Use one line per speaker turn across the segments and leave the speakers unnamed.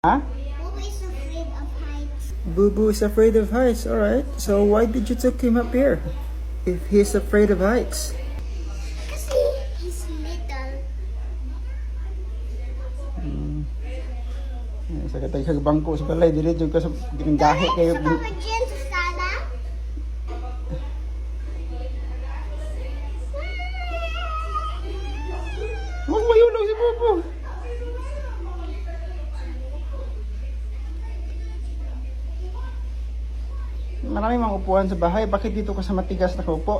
Huh?
Boo is afraid of heights.
Boo Boo is afraid of heights. Alright. So why did you take him up here? If he's afraid of heights.
Kasi he's little.
Sa katay kag bangko sa balay dili jud ka sa gahi kayo.
Sa Papa Jen sa sala.
Wag mayulog si Bobo. Maraming mga upuan sa bahay. Bakit dito ka sa matigas na kaupo?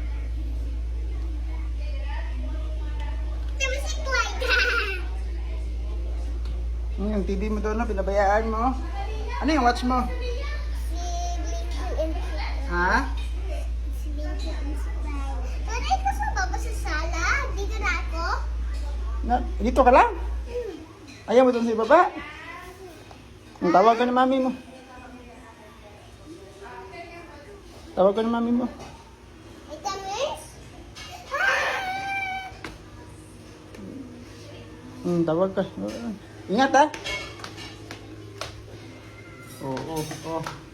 Yung TV mo doon, no? Pinabayaan mo. Ano yung watch mo? Ha?
Tanay ko sa baba sa sala. Dito na ako.
Dito ka lang? Ayaw mo doon sa ibaba? Ang tawag ka ni mami mo. Tawag ka ni mami mo.
Ito, miss?
Tawag ka. Ingat ha. Oo, oo.